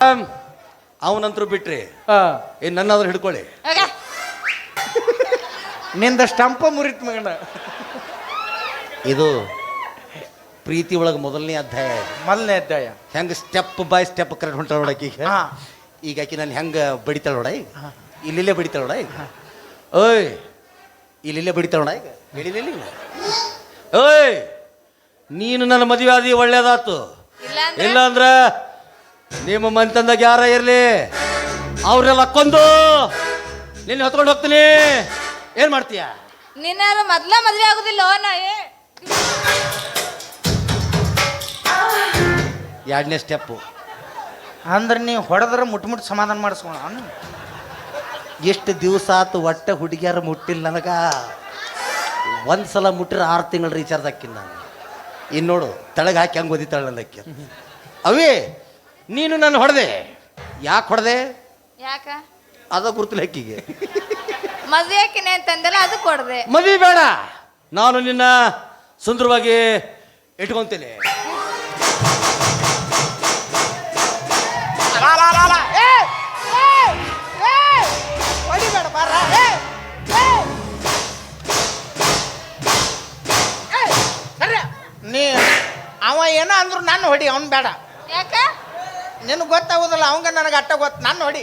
ಅವನಂತರೂ ಬಿಟ್ರಿ ಏನ್ ನನ್ನಾದ್ರೂ ಹಿಡ್ಕೊಳ್ಳಿ. ನಿಂದ ಸ್ಟಂಪ ಮುರಿತ್ ಮಗನ. ಇದು ಪ್ರೀತಿ ಒಳಗೆ ಮೊದಲನೇ ಅಧ್ಯಾಯ. ಮೊದಲನೇ ಅಧ್ಯಾಯ ಹೆಂಗ ಸ್ಟೆಪ್ ಬೈ ಸ್ಟೆಪ್ ಕರೆಕ್ಟ್ ಹೊಂಟಾಳ ನೋಡಕ್ಕೆ. ಈಗ ಆಕಿ ನಾನು ಹೆಂಗ ಬಡಿತಾಳ ನೋಡ, ಇಲ್ಲಿಲ್ಲೇ ಬಡಿತಾಳ ನೋಡ. ಈಗ ಓಯ್ ಇಲ್ಲಿಲ್ಲೇ ಬಡಿತಾಳ ನೋಡ. ಈಗ ಹೇಳಿಲ್ಲ ಓಯ್ ನೀನು ನನ್ನ ಮದುವೆ ಆದಿ ಒಳ್ಳೇದಾತು. ಇಲ್ಲ ಅಂದ್ರ ನಿಮ್ಮ ಮನೆತಂದಾಗ ಯಾರ ಇರ್ಲಿ ಅವ್ರೆಲ್ಲ ಕೊಂದು ನಿನ್ನ ಹೊತ್ಕೊಂಡು ಹೋಗ್ತೀನಿ. ಏನ್ ಮಾಡ್ತೀಯ? ನಿನ್ನ ಮೊದ್ಲ ಮದ್ವೆ ಆಗುದಿಲ್ಲ. ಎರಡನೇ ಸ್ಟೆಪ್ಪು ಅಂದ್ರೆ ನೀವು ಹೊಡೆದ್ರೆ ಮುಟ್ಟ ಸಮಾಧಾನ ಮಾಡಿಸ್ಕೊಳ. ಎಷ್ಟು ದಿವಸ ಆತು ಒಟ್ಟೆ ಹುಡುಗಿಯಾರ ಮುಟ್ಟಿಲ್ಲ ನನಗ. ಒಂದ್ಸಲ ಮುಟ್ಟಿರ 6 ತಿಂಗಳು ರೀಚಾರ್ಜ್ ಹಾಕಿನ ನಾನು. ಇನ್ನು ನೋಡು ತಳಗ ಹಾಕಿ ಹಂಗೆ ಓದಿತಾಳ ನಲ್ಲಕ್ಕಿ. ಅವೇ ನೀನು ನಾನು ಹೊಡೆದೆ. ಯಾಕೆ ಹೊಡೆದೆ? ಯಾಕ ಅದ ಗುರುತಿಲ್ಲ ಅಕ್ಕಿಗೆ. ಮದ್ವೆ ಹಾಕಿನಿ ಅಂತಂದಲ್ಲ ಅದಕ್ಕೆ ಹೊಡೆದೆ. ಮದ್ವೆ ಬೇಡ, ನಾನು ನಿನ್ನ ಸುಂದರವಾಗಿ ಇಟ್ಕೊಂತೀನಿ. ನೀ ಅವ ಏನ ಅಂದ್ರು ನಾನು ಹೊಡಿ, ಅವ್ನು ಬೇಡ. ಯಾಕ? ನಿನಗೆ ಗೊತ್ತಾಗೋದಿಲ್ಲ, ಅವಂಗ ನನಗೆ ಅಟ್ಟ ಗೊತ್ತು. ನಾನು ಹೊಡಿ.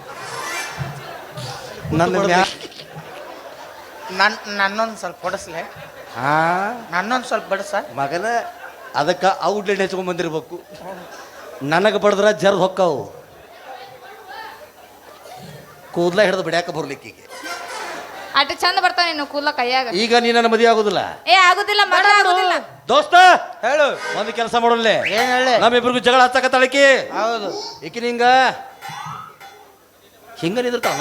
ನನ್ನೊಂದು ಸ್ವಲ್ಪ ಹೊಡಸ್ಲೆ. ನನ್ನೊಂದು ಸ್ವಲ್ಪ ಬಡಸ ಮಗನ. ಅದಕ್ಕೆ ಔಟ್ಲೆಟ್ ಹೆಚ್ಕೊಂಡ್ ಬಂದಿರ್ಬೇಕು. ನನಗೆ ಬಡದ್ರ ಜರ್ದ್ ಹೊಕ್ಕವು. ಕೂದಲ ಹಿಡಿದು ಬಿಡ್ಯಾಕ ಬರ್ಲಿಕ್ಕೀಗ. ಅಟ್ ಚಂದ ಬರ್ತಾವ ನೀನು ಕೂದಲ ಕೈಯಾಗ. ಈಗ ನೀ ನನ್ನ ಮದುವೆ ಆಗುದಿಲ್ಲ. ಆಗುದಿಲ್ಲ ಮಗ ಆಗುದಿಲ್ಲ. ದೋಸ್ತ ಹೇಳು. ಒಂದು ಕೆಲಸ ಮಾಡೋಲ್ಲ. ಏನ್ ಹೇಳಿ? ನಮ್ಮಿಬ್ರಿಗೂ ಜಗಳ ಹಚ್ಚಕತ್ತಾಳಕಿ. ಹೌದು. ಈಕಿ ಹಿಂಗ ಹಿಂಗ ನಿಂದಿರ್ತಾವ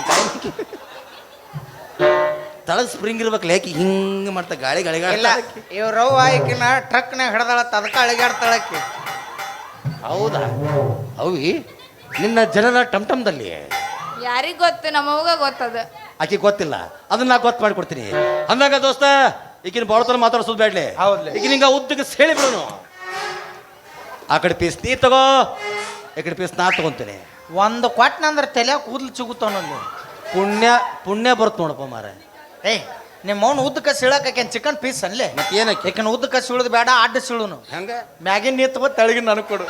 ತಳಗ್ ಸ್ಪ್ರಿಂಗ್ ಇರ್ಬೇಕಲ್ಲ. ಯಾಕೆ ಹಿಂಗ ಮಾಡ್ತಾ ಗಾಳಿ ಗಾಳಿ ಇಲ್ಲ ಇವ್ರವ್ವ ಈಕಿನ ಟ್ರಕ್ನಾಗ ಹಿಡ್ದಾಳತ್ತ, ಅದಕ್ಕೆ ಅಳಿಗಾಡ್ತಾಳಕ್ಕಿ. ಹೌದಾ? ಅವಿ ನಿನ್ನ ಜನನ ಟಮ್ಟಮ್ದಲ್ಲಿ ಯಾರಿಗ್ ಗೊತ್ತು? ನಮ್ಮವ್ಗ ಗೊತ್ತದ. ಆಕಿ ಗೊತ್ತಿಲ್ಲ, ಅದನ್ನ ನಾ ಗೊತ್ತು ಮಾಡಿಕೊಡ್ತೀನಿ. ಅಂದಾಗ ದೋಸ್ತ ಈಗಿನ ಬಾಳತನ ಮಾತಾಡ್ಸೋದು ಬೇಡ್ಲೆ. ಈಗಿನ ಹಿಂಗ ಉದ್ದಕ್ಕೆ ಸೇಳಿ ಬಿಡೋನು. ಆ ಕಡೆ ಪೀಸ್ ನೀ ತಗೋ, ಈ ಕಡೆ ಪೀಸ್ ನಾ ತಗೊಂತೀನಿ. ಒಂದು ಕೊಟ್ಟನಂದ್ರೆ ತಲೆ ಕೂದಲು ಚಿಗುತ್ತಾವನಲ್ಲಿ. ಪುಣ್ಯ ಪುಣ್ಯ ಬರ್ತು ನೋಡಪ್ಪ ಮಾರ. ಏಯ್ ನಿಮ್ಮ ಅವ್ನು ಉದ್ದಕ್ಕೆ ಸೀಳಕೇನ್ ಚಿಕನ್ ಪೀಸ್ ಅಲ್ಲೇ. ಮತ್ತೆ ಏನಕ್ಕೆ? ಯಾಕಂದ್ರೆ ಉದ್ದಕ್ಕೆ ಸೀಳುದು ಬೇಡ, ಅಡ್ಡ ಸೀಳುನು. ಹೆಂಗ ಮ್ಯಾಗಿನ ನೀ ತಗೋ, ತೆಳಗಿನ ನನಗೆ ಕೊಡು.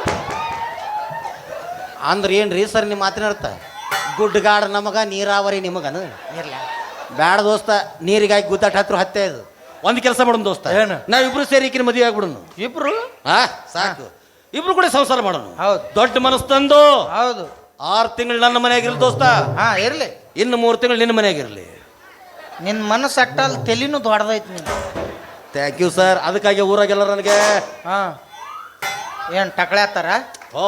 ಅಂದ್ರೆ ಏನ್ರಿ ಸರ್ ನಿಮ್ಮ ಮಾತಿನ ಅರ್ಥ? ಗುಡ್ಡಗಾಡ ನಮಗ, ನೀರಾವರಿ ನಿಮಗನ ಇರ್ಲ ಬೇಡ ದೋಸ್ತ. ನೀರಿಗಾಗಿ ಗುದ್ದಾಟ ಹತ್ರ ಹತ್ತೆ. ಇದು ಒಂದು ಕೆಲಸ ಮಾಡೋಣ ದೋಸ್ತ. ಏನು? ನಾವಿಬ್ರು ಸೇರಿ ಈಕಿನ ಮದುವೆ ಆಗ್ಬಿಡೋನು. ಇಬ್ರು ಸಾಕು, ಇಬ್ರು ಕೂಡ ಸಂಸಾರ ಮಾಡೋಣ. ಹೌದು. ದೊಡ್ಡ ಮನಸ್ಸು ತಂದು. ಹೌದು. 6 ತಿಂಗಳು ನನ್ನ ಮನೆಯಾಗಿರ್ಲಿ ದೋಸ್ತ. ಇರ್ಲಿ. ಇನ್ನು 3 ತಿಂಗಳು ನಿನ್ನ ಮನೆಯಾಗಿರ್ಲಿ. ನಿನ್ನ ಮನಸ್ಸು ಅಟ್ಟಲ್ಲಿ ತಲೆನೂ ದೊಡ್ಡದೈತಿ ನೀನು. Thank you sir. ಅದಕ್ಕಾಗಿ ಊರಾಗೆಲ್ಲ ನನಗೆ ಏನು ಟಕಳೆ ಹತ್ತಾರ? ಓ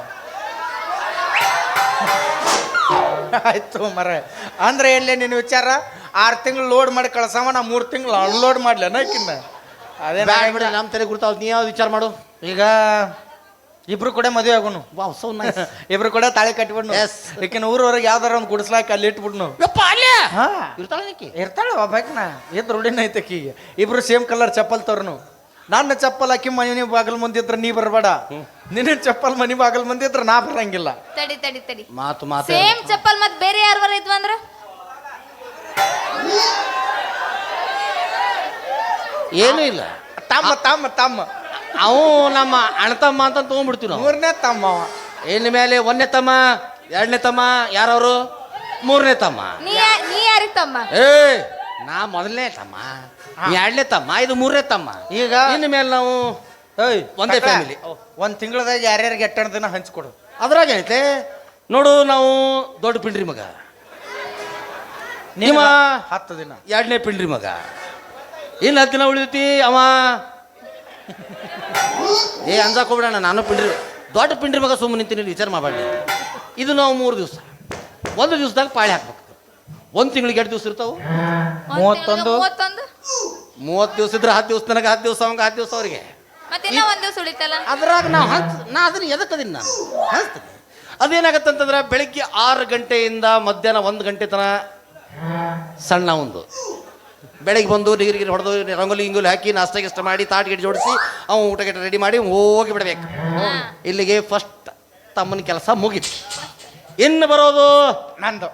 ಆಯ್ತು ಮರ. ಅಂದ್ರೆ ಎಲ್ಲೇ ನಿನ್ನ ವಿಚಾರ? 6 ತಿಂಗಳು ಲೋಡ್ ಮಾಡಿ ಕಳ್ಸವ, ನಾ 3 ತಿಂಗಳು ಅನ್ಲೋಡ್ ಮಾಡ್ಲಿ ಅನ್ನಕಿನ್ನ. ಅದೇ ಬಿಡ, ನಮ್ಮ ತಲೆ ಗುರ್ತಾವ್. ನೀ ಯಾವ್ದು ವಿಚಾರ ಮಾಡು. ಈಗ ಇಬ್ರು ಕೂಡ ಮದುವೆ ಆಗೋನು. Wow, so nice. ಇಬ್ರು ಕೂಡ ತಾಳಿ ಕಟ್ಟಿಬಿಡ್ನು. ಈಕಿನ ಊರವರೆಗೆ ಯಾವ್ದಾರ ಒಂದು ಗುಡಿಸ್ಲಾಕ ಅಲ್ಲಿ ಇಟ್ಬಿಡ್ನು. ಇರ್ತಾಳೆ ಒಬ್ಬಾಕಿನ. ಇದ್ ರೂಢಿನ ಐತಕೀಗ. ಇಬ್ರು ಸೇಮ್ ಕಲರ್ ಚಪ್ಪಲ್ ತೋರ್ನು. ನನ್ನ ಚಪ್ಪಲ್ ಹಾಕಿ ಮನೆ ಬಾಗಲ್ ಮುಂದಿದ್ರ ನೀ ಬರಬೇಡ. ನಿನ್ನ ಚಪ್ಪಲ್ ಮನಿ ಬಾಗಲ್ ಮುಂದಿದ್ರ ನಾ ಬರಂಗಿಲ್ಲ. ತಡಿ ತಡಿ ತಡಿ. ಮಾತು ಮಾತು ಸೇಮ್ ಚಪ್ಪಲ್ ಮತ್ ಬೇರೆ ಯಾರ್ವರ ಇದ್ವು ಅಂದ್ರ ಏನೂ ಇಲ್ಲ. ತಮ್ಮ ತಮ್ಮ ತಮ್ಮ ಅವು ನಮ್ಮ ಅಣ್ಣ ತಮ್ಮ ಅಂತ ತಗೊಂಡ್ಬಿಡ್ತೀವಿ ನಾವು. 3ನೇ ತಮ್ಮ. ಇನ್ನು ಮೇಲೆ 1ನೇ ತಮ್ಮ, 2ನೇ ತಮ್ಮ, ಯಾರವರು 3ನೇ ತಮ್ಮ. ನೀ ಯಾರಿಗ್ ತಮ್ಮ? ನಾ 1ನೇ ತಮ್ಮ, 2ನೇ ತಮ್ಮ, ಇದು 3ನೇ ತಮ್ಮ. ಈಗ ಇನ್ನು ಮೇಲೆ ನಾವು ಒಂದೇ ಫ್ಯಾಮಿಲಿ. 1 ತಿಂಗಳದಾಗ ಯಾರ್ಯಾರಿಗೆ 8 ದಿನ ಹಂಚ್ಕೊಡು. ಅದ್ರಾಗ ಏನೈತೆ ನೋಡು. ನಾವು ದೊಡ್ಡ ಪಿಂಡ್ರಿ ಮಗ, ನಿಮ್ಮ 10 ದಿನ 2ನೇ ಪಿಂಡ್ರಿ ಮಗ. ಇನ್ನು 10 ದಿನ ಉಳಿದೈತಿ. ಅವ ಅಂಜಾಕ್ ಹೋಗ್ಬಿಡೋಣ. ನಾನು ಪಿಂಡ್ರಿ ದೊಡ್ಡ ಪಿಂಡ್ರಿ ಮಗ. ಸುಮ್ಮನೆ ನಿಂತೀನಿ, ವಿಚಾರ ಮಾಡಬೇಡಿ. ಇದು ನಾವು 3 ದಿವಸ, 1 ದಿವಸದಾಗ ಪಾಳಿ ಹಾಕ್ಬೇಕು. 1 ತಿಂಗಳಿಗೆ 2 ದಿವಸ ಇರ್ತಾವೆ. 31 30 ದಿವಸ ಇದ್ರೆ 10 ದಿವಸ ನನಗೆ, 10 ದಿವಸ ಅವಂಗೆ, 10 ದಿವಸ ಅವ್ರಿಗೆ. ಮತ್ತೆ 1 ದಿವಸ ಉಳಿತಲ್ಲ. ಅದ್ರಾಗ ನಾ ಅದನ್ನ ಎದಕ್ಕದೀನಿ ನಾನು ಹಂಚ್ತೀನಿ. ಅದೇನಾಗತ್ತಂತಂದ್ರೆ ಬೆಳಿಗ್ಗೆ 6 ಗಂಟೆಯಿಂದ ಮಧ್ಯಾಹ್ನ 1 ಗಂಟೆ ತನಕ ಸಣ್ಣ ಒಂದು ಬೆಳಗ್ಗೆ ಬಂದು ನೀರಿಗೆ ಹೊಡೆದು ರಂಗೋಲಿ ಹಿಂಗೋಲಿ ಹಾಕಿ ನಾಷ್ಟ ಗಿಷ್ಟ ಮಾಡಿ ತಾಟ್ ಗಿಡ ಜೋಡಿಸಿ ಅವ್ನು ಊಟ ಗಿಟ ರೆಡಿ ಮಾಡಿ ಹೋಗಿ ಬಿಡಬೇಕು. ಇಲ್ಲಿಗೆ ಫಸ್ಟ್ ತಮ್ಮನ ಕೆಲಸ ಮುಗೀತು. ಇನ್ನು ಬರೋದು ನಂದು.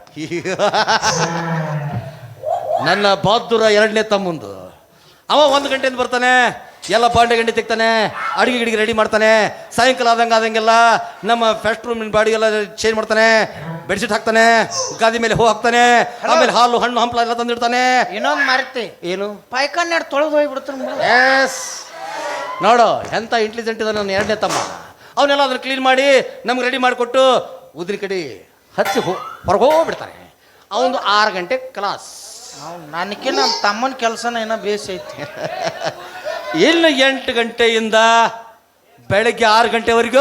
ನನ್ನ ಬಹದ್ದೂರ ಎರಡನೇ ತಮ್ಮಂದು. ಅವ 1 ಗಂಟೆಯಿಂದ ಬರ್ತಾನೆ, ಎಲ್ಲ ಬಾಂಡೆ ಗಂಟೆ ತೆಗ್ತಾನೆ, ಅಡುಗೆ ಗಿಡಿಗೆ ರೆಡಿ ಮಾಡ್ತಾನೆ. ಸಾಯಂಕಾಲ ಆದಂಗೆಲ್ಲ ನಮ್ಮ ಫಸ್ಟ್ ರೂಮಿನ ಬಾಡಿಗೆಲ್ಲ ಚೇಂಜ್ ಮಾಡ್ತಾನೆ, ಬೆಡ್ಶೀಟ್ ಹಾಕ್ತಾನೆ, ಗಾದಿ ಮೇಲೆ ಹೂ ಹಾಕ್ತಾನೆ, ಆಮೇಲೆ ಹಾಲು ಹಣ್ಣು ಹಂಪಲ ಎಲ್ಲ ತಂದಿಡ್ತಾನೆ. ಇನ್ನೊಂದು ಮರ್ತಿ, ಏನು ಪಾಯ್ಕಾನ್ ತೊಳೆದು ಹೋಗ್ಬಿಡ್ತಾನೆ. ಎಸ್, ನೋಡು ಎಂಥ ಇಂಟೆಲಿಜೆಂಟ್ ಇದೆ ನನ್ನ ಎರಡನೇ ತಮ್ಮ. ಅವನ್ನೆಲ್ಲ ಅದನ್ನು ಕ್ಲೀನ್ ಮಾಡಿ ನಮ್ಗೆ ರೆಡಿ ಮಾಡಿಕೊಟ್ಟು ಉದ್ರಿ ಕಡೆ ಹಚ್ಚಿ ಹೊರಗೆ ಹೋಗ್ಬಿಡ್ತಾನೆ. ಅವನು 6 ಗಂಟೆ ಕ್ಲಾಸ್. ನನಗೆ ನಮ್ಮ ತಮ್ಮನ ಕೆಲಸನ ಏನೋ ಬೇಸಿ ಐತಿ. ಇನ್ನು 8 ಗಂಟೆಯಿಂದ ಬೆಳಗ್ಗೆ 6 ಗಂಟೆವರೆಗೂ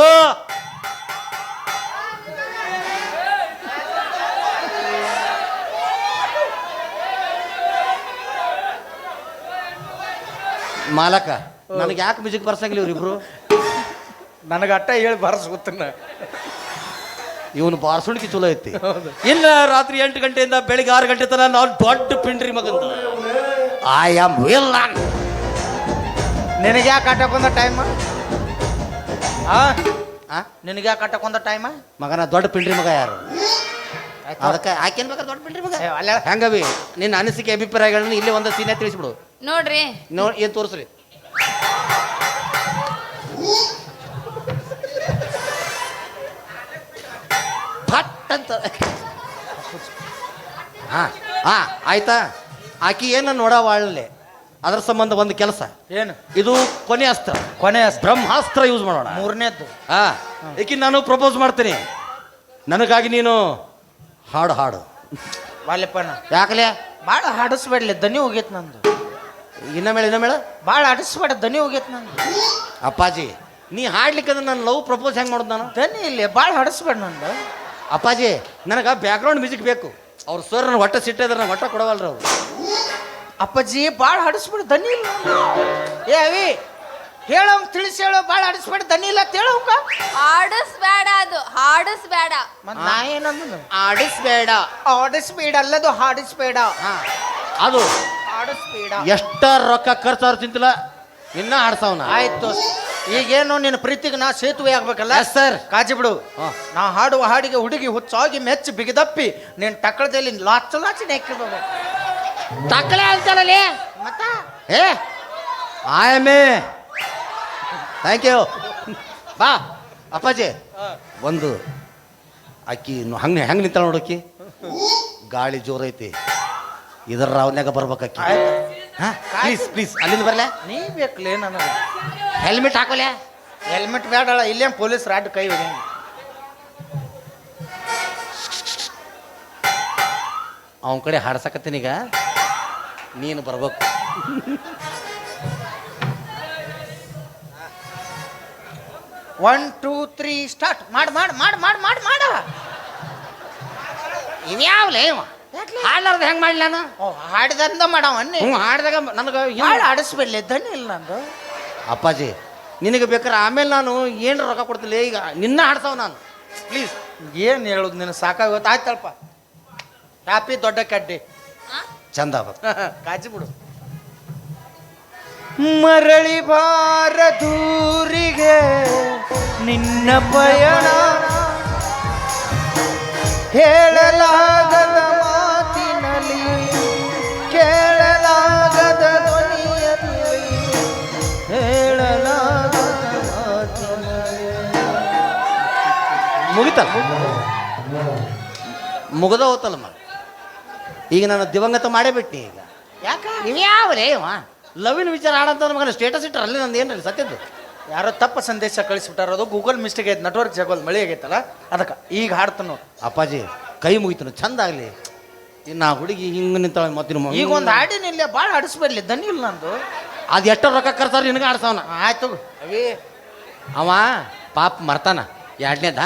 ಮಾಲಕ ನನಗೆ ಯಾಕೆ ಮ್ಯೂಸಿಕ್ ಬರ್ಸಂಗಿಲ್ಲ ಇವ್ರಿಬ್ರು? ನನಗೆ ಅಟ್ಟ ಹೇಳಿ ಬರ್ಸ್ಕೊತನ. ಇವನು ಬಾರ್ಸುಣಿಕೆ ಚಲೋ ಐತಿ. ಇನ್ನು ರಾತ್ರಿ 8 ಗಂಟೆಯಿಂದ ಬೆಳಿಗ್ಗೆ 6 ಗಂಟೆ ತನಕ ನಾವು ದೊಡ್ಡ ಪಿಂಡ್ರಿ ಮಗಂತ. ಐ ಆಮ್ ವಿಲ್ ನಾನ್. ನಿನಗೆ ಯಾಕೆ ಆಟಕ್ಕೆ ಬಂದ ಟೈಮ್? ನಿನಗೆ ಯಾಕೆ ಆಟಕ್ಕೆ ಬಂದ ಟೈಮ? ಮಗನ ದೊಡ್ಡ ಪಿಂಡ್ರಿ ಮಗ ಯಾರು? ಅದಕ್ಕೆ ಆಕೆನ್ ಬೇಕಾದ್ರೆ ದೊಡ್ಡ ಪಿಂಡ್ರಿ ಮಗ ಹೆಂಗವಿ? ನಿನ್ನ ಅನಿಸಿಕೆ ಅಭಿಪ್ರಾಯಗಳನ್ನ ಇಲ್ಲಿ ಒಂದು ಸೀನೆ ತಿಳಿಸ್ಬಿಡು. ನೋಡ್ರಿ, ಏನು ತೋರಿಸ್ರಿ? ಫಟ್ ಅಂತ. ಆಯ್ತಾ? ಆಕಿ ಏನು ನೋಡವಾಳಲೆ, ಅದ್ರ ಸಂಬಂಧ ಒಂದು ಕೆಲಸ. ಏನು ಇದು ಕೊನೆ ಅಸ್ತ್ರ, ಕೊನೆ ಬ್ರಹ್ಮಾಸ್ತ್ರ ಯೂಸ್ ಮಾಡೋಣ. 3ನೇದ್ದು. ಏಕೆ ನಾನು ಪ್ರಪೋಸ್ ಮಾಡ್ತೀನಿ, ನನಗಾಗಿ ನೀನು ಹಾಡು ಹಾಡು. ವಾಲ್ಯಪ್ಪನ ಯಾಕಲೆ ಭಾಳ ಹಾಡಿಸ್ಬೇಡ್ಲಿ, ದನಿ ಹೋಗೈತೆ ನಂದು. ಇನ್ನಮೇಳ ಭಾಳ ಆಡಿಸ್ಬೇಡ, ದನಿ ಹೋಗೈತೆ ನಂದು. ಅಪ್ಪಾಜಿ ನೀ ಹಾಡ್ಲಿಕ್ಕಂದ್ರೆ ನಾನು ಲವ್ ಪ್ರಪೋಸ್ ಹೆಂಗೆ ಮಾಡೋದು? ನಾನು ದನಿ ಇಲ್ಲಿ ಭಾಳ ಹಾಡಿಸ್ಬೇಡ ನಂದು. ಅಪ್ಪಾಜಿ ನನಗೆ ಬ್ಯಾಕ್ಗ್ರೌಂಡ್ ಮ್ಯೂಸಿಕ್ ಬೇಕು. ಅವ್ರು ಸರ್ ನನ್ನ ಹೊಟ್ಟೆ ಸಿಟ್ಟಿದ್ರೆ ನಾನು ಹೊಟ್ಟೆ ಕೊಡವಲ್ರಿ ಅವರು. ಅಪ್ಪಾಜಿ ಭಾಳ ಹಾಡಿಸ್ಬೇಡ, ದನಿ ಇಲ್ಲ. ಏ ಅವಿ ಹೇಳೋಂಗ್ ತಿಳಿಸಿ ಹೇಳೋ, ಭಾಳ ಹಾಡಿಸ್ಬೇಡ, ದನಿ ಇಲ್ಲ ಅಂತ ಹೇಳೋಂಗ. ಹಾಡಿಸ್ಬೇಡ, ಅದು ಹಾಡಿಸ್ಬೇಡ. ಮತ್ತೆ ನಾ ಏನಂದ? ಆಡಿಸ್ಬೇಡ. ಆಡಿಸ್ಬೇಡ ಅಲ್ಲದು, ಹಾಡಿಸ್ಬೇಡ. ಅದು ಹಾಡಿಸ್ಬೇಡ. ಎಷ್ಟ ರೊಕ್ಕ ಖರ್ಚಾದ್ರು ಚಿಂತಿಲ್ಲ, ಇನ್ನ ಆಡ್ಸವನ. ಆಯ್ತು, ಈಗೇನು ನಿನ್ನ ಪ್ರೀತಿಗೆ ನಾ ಸೇತುವೆ ಆಗ್ಬೇಕಲ್ಲ? ಸರ್ ಕಾಜಿ ಬಿಡು. ನಾ ಹಾಡುವ ಹಾಡಿಗೆ ಹುಡುಗಿ ಹುಚ್ಚಾಗಿ ಮೆಚ್ಚಿ ಬಿಗಿದಪ್ಪಿ ನಿನ್ನ ಟಕ್ಕಳದಲ್ಲಿ ಲಾಚು ಲಾಚಿ ನೆಕ್ಕಿರ್ಬೇಕು. ತಕ್ಕಳೆ ಅಂತಾರಲ್ಲಿ ಮತ್ತ ಏ ಆಯಮೇ ಥ್ಯಾಂಕ್ ಯು. ಬಾ ಅಪ್ಪಾಜಿ, ಒಂದು ಅಕ್ಕಿ ಹಂಗೆ ಹೆಂಗೆ ನಿಂತಾಳ ನೋಡಕ್ಕಿ. ಗಾಳಿ ಜೋರೈತಿ, ಇದರ ರಾವ್ನ್ಯಾಗ ಬರ್ಬೇಕಕ್ಕಿ. ಪ್ಲೀಸ್ ಪ್ಲೀಸ್ ಅಲ್ಲಿಂದ ಬರಲ. ನೀ ಬೇಕಲೇ ನನಗೆ ಹೆಲ್ಮೆಟ್ ಹಾಕೋಲೆ. ಹೆಲ್ಮೆಟ್ ಬೇಡಲ್ಲ, ಇಲ್ಲೇ ಪೊಲೀಸ್ ರಾಡ್ ಕೈ ಹೊಡೆಯಂಗೆ. ಅವನ ಕಡೆ ಹಾಡ್ಸಕತ್ತೀನೀಗ, ನೀನು ಬರ್ಬೇಕು. One two three start. ಮಾಡು ಮಾಡು ಮಾಡು ಮಾಡು ಮಾಡು ಮಾಡ. ಇವ್ಯಾವ್ಲೇ ಹಾಡ್ಲಾರ್ದು ಹೆಂಗೆ ಮಾಡಲಿ ನಾನು? ಹಾಡಿದಂದ ಮಾಡವ ಹಾಡ್ದಾಗ ನನಗೆ ಹಾಡು ಆಡಿಸ್ಬೇಡ್ಲಿ, ದನಿ ಇಲ್ಲ ನಂದು. ಅಪ್ಪಾಜಿ ನಿನಗೆ ಬೇಕಾದ್ರೆ ಆಮೇಲೆ ನಾನು ಏನು ರೊಕ್ಕ ಕೊಡ್ತಿಲ್ಲ, ಈಗ ನಿನ್ನ ಹಾಡ್ಸವ ನಾನು. ಪ್ಲೀಸ್ ಏನು ಹೇಳುದು, ನಿನ್ನ ಸಾಕಾಗುತ್ತೆ. ಆಯ್ತಲ್ಪ, ಹ್ಯಾಪಿ ದೊಡ್ಡ ಕಡ್ಡಿ ಚಂದ ಕಾಜಿ ಬಿಡು. ಮರಳಿ ಬಾರ ದೂರಿಗೆ ನಿನ್ನ ಪಯಣ, ಹೇಳಲಾಗದ ಮಾತಿನಲ್ಲಿ ಕೇಳಲಾಗದ ಧ್ವನಿಯಲ್ಲಿ, ಹೇಳಲಾಗದ ಮಾತಿನಲ್ಲಿ. ಮುಗಿತಲ್ಲ, ಮುಗದ ಹೋತಲ್ಲಮ್ಮ. ಈಗ ನಾನು ದಿವಂಗತ ಮಾಡೇ ಬಿಟ್ಟಿ. ಈಗ ಯಾಕ ಇವ್ಯಾವ್ಲೇ ಲವಿನ ವಿಚಾರ ಆಡಂತ ಮಗನ ಸ್ಟೇಟಸ್ ಇಟ್ಟರೆ ಅಲ್ಲಿ ನಂದು ಏನ್ರಿ ಸತ್ಯದ್ದು. ಯಾರೋ ತಪ್ಪ ಸಂದೇಶ ಕಳಿಸ್ಬಿಟ್ಟಾರ, ಅದು ಗೂಗಲ್ ಮಿಸ್ಟೇಕ್ ಐತೆ, ನೆಟ್ವರ್ಕ್ ಜಗೋಲ್ ಮಳೆ ಆಗೈತಲ್ಲ ಅದಕ್ಕೆ. ಈಗ ಹಾಡ್ತಾನು ಅಪ್ಪಾಜಿ, ಕೈ ಮುಗಿತನು ಚಂದ ಆಗಲಿ. ಇನ್ನು ಆ ಹುಡುಗಿ ಹಿಂಗೆ ನಿಂತಾಳೆ ಮತ್ತಿನ ಈಗ ಒಂದು ಹಾಡಿನಿಲ್ಲ, ಭಾಳ ಹಾಡಿಸ್ಬೇಡ್ಲಿ, ದನಿ ಇಲ್ಲ ನಂದು. ಅದು ಎಷ್ಟೋ ರೊಕ್ಕ ಖರ್ಚಾರ ನಿನಗೆ ಆಡ್ಸವನ. ಆಯ್ತು ಅವೇ ಅವ ಪಾಪ ಮರ್ತಾನ. ಎರಡನೇದ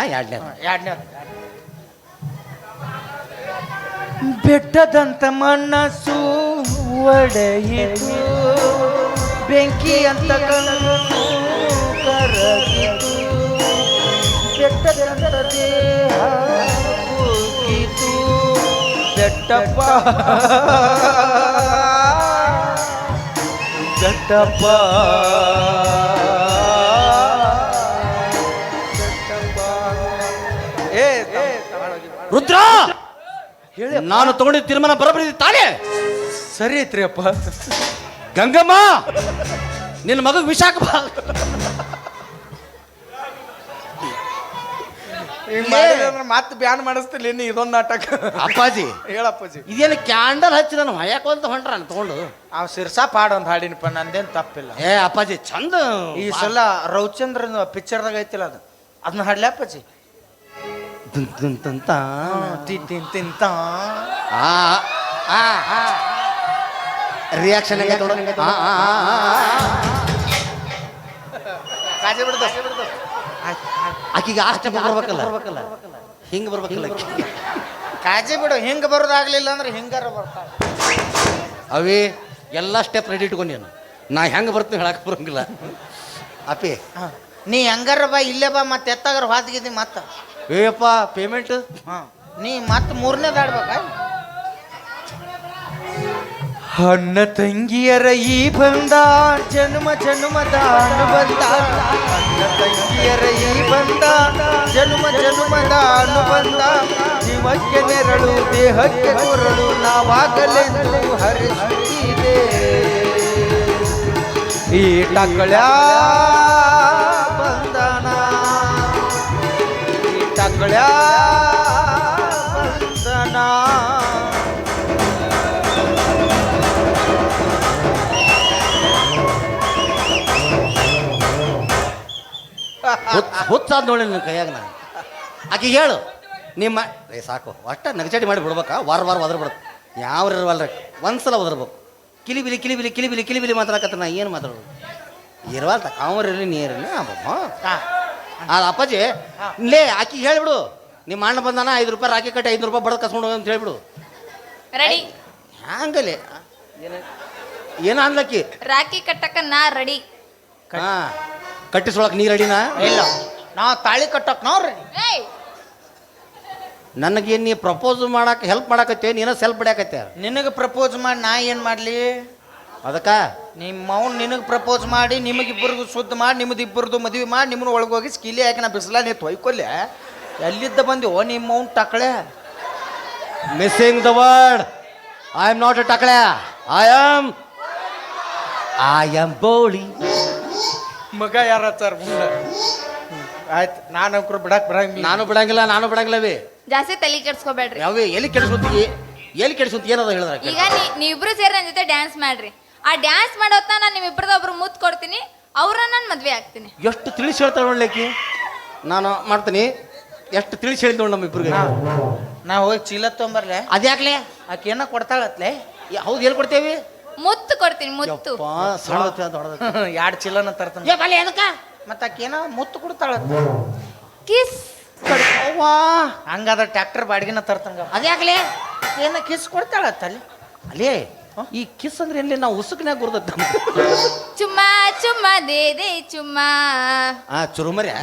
ಬೆಟ್ಟದಂತ ಮನಸ್ಸು ಒಡೆಯಿತು, ಬೆಂಕಿ ಅಂತ ಕಣ್ಣು ಕರಗಿತು, ಬೆಟ್ಟದಂತ ದೇಹ ಕುಗ್ಗಿತು. ಬೆಟ್ಟಪ್ಪ ಬೆಟ್ಟಪ್ಪ ಬೆಟ್ಟಪ್ಪ ಏ ರುದ್ರ ಹೇಳಿ ನಾನು ತಗೊಂಡಿದ್ದ ತೀರ್ಮಾನ ಬರಬರಿದ್ದೆ ತಾನೇ? ಸರಿ ಐತ್ರಿ ಅಪ್ಪ. ಗಂಗಮ್ಮ ನಿನ್ನ ಮಗ ವಿಶಾಖ ಮತ್ತೆ ಬ್ಯಾನ್ ಮಾಡಿಸ್ತಿಲ್ಲ ಇನ್ನು ಇದೊಂದು ನಾಟಕ. ಅಪ್ಪಾಜಿ ಹೇಳಪ್ಪಾಜಿ. ಇದೇನು ಕ್ಯಾಂಡಲ್ ಹಚ್ಚಿ ನಾನು ಹೊಯ್ಯಾಕೊಂತ ಹೊಂಟ್ರ ತಗೊಂಡು ಅವ್ ಸಿರ್ಸಾ ಪಾಡ್ ಒಂದು ಹಾಡಿನಪ್ಪ, ನಂದೇನ್ ತಪ್ಪಿಲ್ಲ. ಏ ಅಪ್ಪಾಜಿ ಚಂದ ಈ ಸಲ ರವಿಚಂದ್ರನ್ ಪಿಕ್ಚರ್ದಾಗ ಐತಿಲ್ಲ ಅದನ್ನ ಹಾಡ್ಲಿ ಅಪ್ಪಾಜಿ. ತಿಂತ ರಿಯಾಕ್ಷನ್ ಕಾಜೆ ಬಿಡ್ದ ಆಕಿಗೆ ಆ ಸ್ಟೆಪ್ ಬರ್ಬೇಕಲ್ಲ, ಹಿಂಗ್ ಬರ್ಬೇಕಲ್ಲ. ಕಾಜೆ ಬಿಡು, ಹಿಂಗ ಬರೋದಾಗ್ಲಿಲ್ಲ ಅಂದ್ರೆ ಹಿಂಗಾರ ಬರ್ತಾವ. ಅವೇ ಎಲ್ಲ ಸ್ಟೆಪ್ ರೆಡಿ ಇಟ್ಕೊಂಡೇನು, ನಾ ಹೆಂಗೆ ಬರ್ತೀನಿ ಹೇಳಕ್ ಬರಂಗಿಲ್ಲ. ಅಪ್ಪಿ ನೀ ಹೆಂಗಾರ ಬಾ, ಇಲ್ಲೇ ಬಾ, ಮತ್ತೆ ಎತ್ತಾಗಾರ ಹಾದ್ಗಿದ್ದಿ ಮತ್ತ. ಏಯಪ್ಪ ಪೇಮೆಂಟ್ ನೀ ಮತ್ತೆ ಮೂರನೇದಾಡ್ಬೇಕ. ಅಣ್ಣ ತಂಗಿಯರ ಈ ಬಂದ ಜನ್ಮ ಜನ್ಮದ ಅನುಬಂಧ. ಅಣ್ಣ ತಂಗಿಯರ ಈ ಬಂದ ಜನ್ಮ ಜನ್ಮದ ಅನುಬಂಧ. ಜೀವಕ್ಕೆ ನೆರಳು ದೇಹಕ್ಕೆ ಕೊರಳು ನಾವಾಗಲೆಂದು ಹರಿಸುತ್ತಿದೆ. ಈ ಟಕಳ ಬಂಧನ, ಈ ಟಕಳ ಬಂಧನ. ಹುಚ್ಚಾದ್ ನೋಡಿ ನನ್ನ ಕೈಯಾಗ ನಾನು. ಆಕೆ ಹೇಳು ನಿಮ್ಮ ಸಾಕು ಅಷ್ಟ ನಗಚಾಟಿ ಮಾಡಿ ಬಿಡ್ಬೇಕಾ? ವಾರ ಒದ್ರ ಬಿಡುತ್ತೆ ಯಾವ ಇರವಲ್ರಿ, ಒಂದ್ಸಲ ಒದರ್ಬೇಕು. ಕಿಲಿಬಿಲಿ ಕಿಲಿಬಿಲಿ ಕಿಲಿಬಿಲಿ ಕಿಲಿಬಿಲಿ ಮಾತಾಡಕತ್ತ ನಾ ಏನು ಮಾತಾಡೋದು? ಇರವಲ್ತ ಕಾವರಿರಲಿ ನೀರಿರಲಿ ಅದು ಅಪ್ಪಾಜಿ ಲೇ ಆಕಿ ಹೇಳ್ಬಿಡು, ನಿಮ್ಮ ಅಣ್ಣ ಬಂದಾನ 5 ರೂಪಾಯಿ ರಾಕಿ ಕಟ್ಟಿ 5 ರೂಪಾಯಿ ಬಡದ್ ಕಸ್ಕೊಂಡು ಹೋಗಿ ಅಂತ ಹೇಳ್ಬಿಡು. ರೆಡಿ ಹಂಗಲ್ಲಿ ಏನ ಅನ್ಲಕ್ಕಿ ರಾಖಿ ಕಟ್ಟಕ ನಾ ರೆಡಿ. ಹಾ ಕಟ್ಟಿಸೊಳಕ್ ನೀ ರೆಡಿನಾ? ಇಲ್ಲ, ನಾವು ತಾಳಿ ಕಟ್ಟಕ್ ನಾವು ರೆಡಿ. ಏಯ್ ನನಗೇನು ನೀ ಪ್ರಪೋಸ್ ಮಾಡಕ್ಕೆ ಹೆಲ್ಪ್ ಮಾಡಕತ್ತೆ, ನೀನ ಸೆಲ್ಫ್ ಬಿಡಾಕತ್ತೆ. ನಿನಗೆ ಪ್ರಪೋಸ್ ಮಾಡಿ ನಾ ಏನು ಮಾಡಲಿ? ಅದಕ್ಕ ನಿಮ್ಮ ಅವ್ನು ನಿನಗೆ ಪ್ರಪೋಸ್ ಮಾಡಿ ನಿಮಗಿಬ್ಬರಿಗೂ ಶುದ್ಧ ಮಾಡಿ ನಿಮ್ಮದು ಇಬ್ಬರದು ಮದುವೆ ಮಾಡಿ ನಿಮ್ಮನ್ನ ಒಳಗೋಗಿ ಸ್ಕಿಲಿ ಹಾಕಿ ನಾ ಬಿಸಿಲ ನೀ ತೊಯ್ಕೊಲ್ಲೆ. ಎಲ್ಲಿದ್ದ ಬಂದಿವೋ ನಿಮ್ಮ ಅವ್ನು ಟಕಳೆ? Missing the word. I am not a ಟಕಳೆ, ಐ ಆಮ್ ಬೋಳಿ. ಮಗ ಯಾರ ಸರ್ ಮುಂದೆ ಆಯ್ತು. ನಾನು ಅಂಕರು ಬಿಡಕ್ ಬರಂಗಿಲ್ಲ. ನಾನು ಬಿಡಂಗಿಲ್ಲವೇ. ಜಾಸ್ತಿ ತಲೆ ಕೆಡ್ಸ್ಕೊಬೇಡ್ರಿ. ಯಾವೇ ಎಲ್ಲಿ ಕೆಡಿಸುತ್ತಿ ಏನದ ಹೇಳಿದ್ರ? ಈಗ ನೀವಿಬ್ರು ಸೇರಿ ನನ್ನ ಜೊತೆ ಡ್ಯಾನ್ಸ್ ಮಾಡ್ರಿ. ಆ ಡ್ಯಾನ್ಸ್ ಮಾಡೋತ್ನ ನಾನು ನಿಮ್ಮಿಬ್ರದ ಒಬ್ರು ಮುತ್ತು ಕೊಡ್ತೀನಿ, ಅವ್ರನ್ನ ನಾನು ಮದ್ವೆ ಆಗ್ತೀನಿ. ಎಷ್ಟು ತಿಳಿಸಿ ಹೇಳ್ತಾಳೆ ನೋಡ್ಲಿಕ್ಕೆ. ನಾನು ಮಾಡ್ತೀನಿ. ಎಷ್ಟು ತಿಳಿಸಿ ಹೇಳಿದ್ ನೋಡಿ ನಮ್ಮಿಬ್ರಿಗೆ. ನಾ ಹೋಗಿ ಚೀಲ ತೊಗೊಂಬರ್ಲೆ. ಅದ್ಯಾಕ್ಲೆ? ಆಕೆ ಏನೋ ಕೊಡ್ತಾಳತ್ಲೆ. ಹೌದು, ಏನು ಕೊಡ್ತೇವಿ? ಮುತ್ತು ಕೊಡ್ತೀನಿ, ಮುತ್ತು. 2 ಚೀಲನ ತರ್ತಾನೆ. ಮತ್ತೆ ಆಕೆ ಏನೋ ಮುತ್ತು ಕೊಡ್ತಾಳ. ಕಿಸ್ ಹಂಗಾದ್ರೆ ಟ್ರ್ಯಾಕ್ಟರ್ ಬಾಡಿಗೆನ ತರ್ತಂಗ. ಅದ್ಯಾಕ್ಲೆ? ಏನೋ ಕಿಸ್ ಕೊಡ್ತಾಳತ್ತಲ್ಲಿ. ಅಲ್ಲೇ ಈ ಕಿಸ್ ಅಂದ್ರೆ ಎಲ್ಲಿ ನಾವು ಉಸುಕ್ನಾಗ ಗುರ್ದತ್ತ. ಚುಮ್ಮ ಚುಮ್ಮ ದೇ ಚುಮ್ಮ. ಚುರುಮರಿ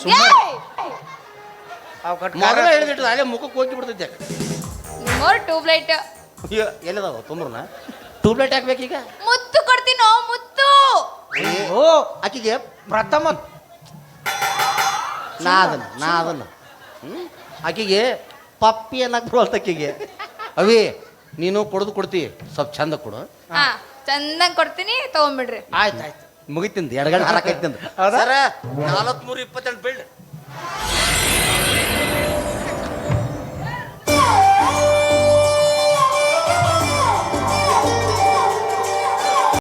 ಹೇಳಿದಿಟ್ಟು ಅಲ್ಲೇ ಮುಖಕ್ಕೆ ಹೋಗಿ ಬಿಡ್ತೈತೆ. ಮೋರ್ ಟ್ಯೂಬ್ಲೈಟ್ ಎಲ್ಲದಾವ ತುಂಬ್ರನ ಟ್ಯೂಬ್ಲೈಟ್ ಹಾಕ್ಬೇಕೀಗ. ಮುತ್ತು ಕೊಡ್ತೀನೋ, ಮುತ್ತು. ಓ ಆಕಿಗೆ ಪ್ರಥಮ ನಾ ಅದನ್ನ ಆಕಿಗೆ ಪಪ್ಪಿ ಅನ್ನಕ್ ಬರುವಲ್ತ ಆಕಿಗೆ. ಅವೇ ನೀನು ಕೊಡ್ತಿ ಸ್ವಲ್ಪ ಚಂದ ಕೊಡು. ಹಾ ಚಂದಂಗ್ ಕೊಡ್ತೀನಿ, ತಗೊಂಡ್ಬಿಡ್ರಿ. ಆಯ್ತಾಯ್ತು ಮುಗಿತಿಂದ 2 ಗಂಟೆ ಹಾರಾಕೈತಿ. 4328 ಬಿಲ್ಡ್